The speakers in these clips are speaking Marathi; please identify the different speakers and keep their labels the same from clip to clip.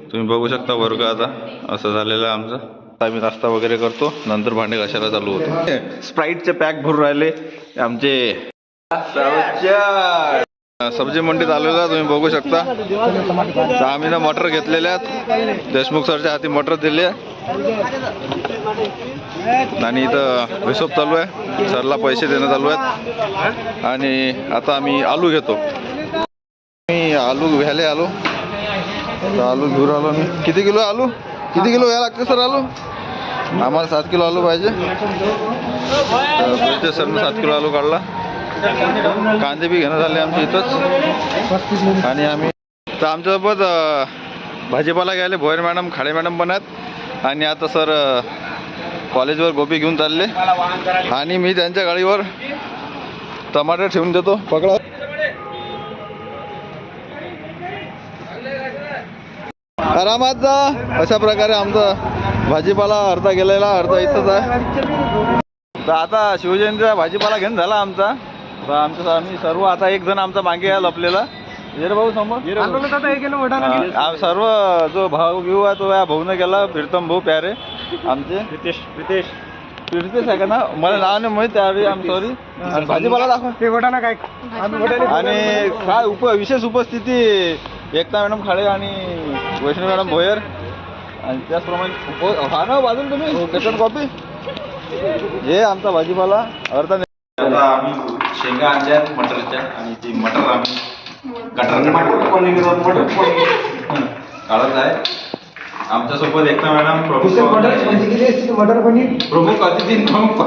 Speaker 1: तुम्ही बघू शकता वर्ग आता असं झालेलं आहे आमचं. आम्ही नाश्ता वगैरे करतो, नंतर भांडे घासायला चालू होतो. स्प्राईटचे पॅक भरून राहिले आमचे. सब्जी मंडीत आलेला तुम्ही बघू शकता. तर आम्ही ना मटर घेतलेले आहेत, देशमुख सरच्या हाती मटर दिले आणि इथं हिशोब चालू आहे, सरला पैसे देणं चालू आहेत. आणि आता आम्ही आलू घेतो. मी आलू घ्यायला आलो, तर आलू घेऊन आलो मी. किती किलो आलू, किती किलो घ्यायला लागते सर आलू? आम्हाला 7 किलो आलू पाहिजे. तर सरनं 7 किलो आलू काढला. कांदे बी घेणं झाले आमच्या इथंच. आणि आम्ही तर आमच्यासोबत भाजीपाला घ्यायला भोयर मॅडम, खाडे मॅडम पण आहेत. आणि आता सर कॉलेजवर गोबी घेऊन चालले आणि मी त्यांच्या गाडीवर टमाटर ठेवून देतो. पकडा. आरामात जा. अशा प्रकारे आमचा भाजीपाला अर्धा गेलेला, अर्धा इथंच आहे. तर आता शिवजयंतीचा भाजीपाला घेऊन झाला आमचा. तर आम्ही सर्व आता एक जण आमचा मागे आहे लपलेला. भाऊ समोर सर्व जो भाऊ घेऊ आहे तो या भाऊने गेला. प्रीतम भाऊ प्यारे आमचे. प्रितेश आहे का ना, मला नाव नाही माहित, त्यावेळी आम सॉरी. भाजीपाला दाखवा काय. आणि काय विशेष उपस्थिती एकता मॅडम खाडे आणि वैष्णवी मॅडम भोयर. आणि त्याचप्रमाणे हा ना बाजून तुम्ही सेकंड कॉपी. हे आमचा भाजीपाला अर्धा. आता आम्ही शेंगा आणल्या मटरच्या आणि ती मटर आम्ही काढत आहे. आमच्यासोबत एकता मॅडम प्रमुख अतिथी.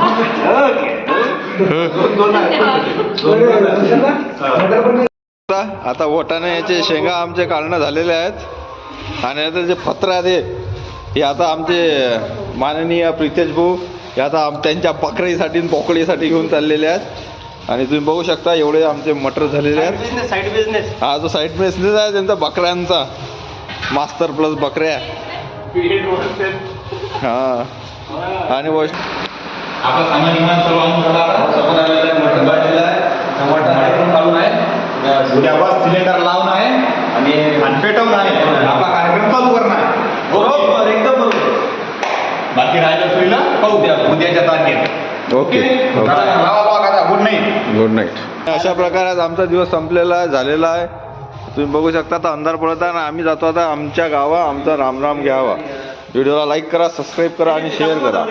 Speaker 1: आता वटाणे याचे शेंगा आमचे काढणं झालेले आहेत. आणि आता जे पत्र आहेत हे आता आमचे माननीय प्रितेश भाऊ हे आता त्यांच्या बकरीसाठी पोकळीसाठी घेऊन चाललेले आहेत. आणि तुम्ही बघू शकता एवढे आमचे मटर झालेले आहेत. साईड बिझनेस हा जो साईड बिझनेस आहे त्यांचा बकऱ्यांचा, मास्तर प्लस बकऱ्या. हा. आणि
Speaker 2: आपला सामान विमान सर्व सिलेंडर लावून आहे आणि पेटवून आहे. आपला कार्यक्रम चालू करणार आहे. बरोबर, एकदम बरोबर. बाकी राहिलं सोयीला पाहू द्या उद्याच्या तारखेत.
Speaker 1: Okay.
Speaker 2: Good night.
Speaker 1: Good night. अशा प्रकारे आमचा दिवस संपलेला झालेला आहे. तुम्ही बघू शकता आता अंधार पडत आहे आणि आम्ही जातो आता आमच्या गावा. आमचा रामराम घ्यावा. व्हिडिओला लाईक करा, सबस्क्राईब करा आणि शेअर करा.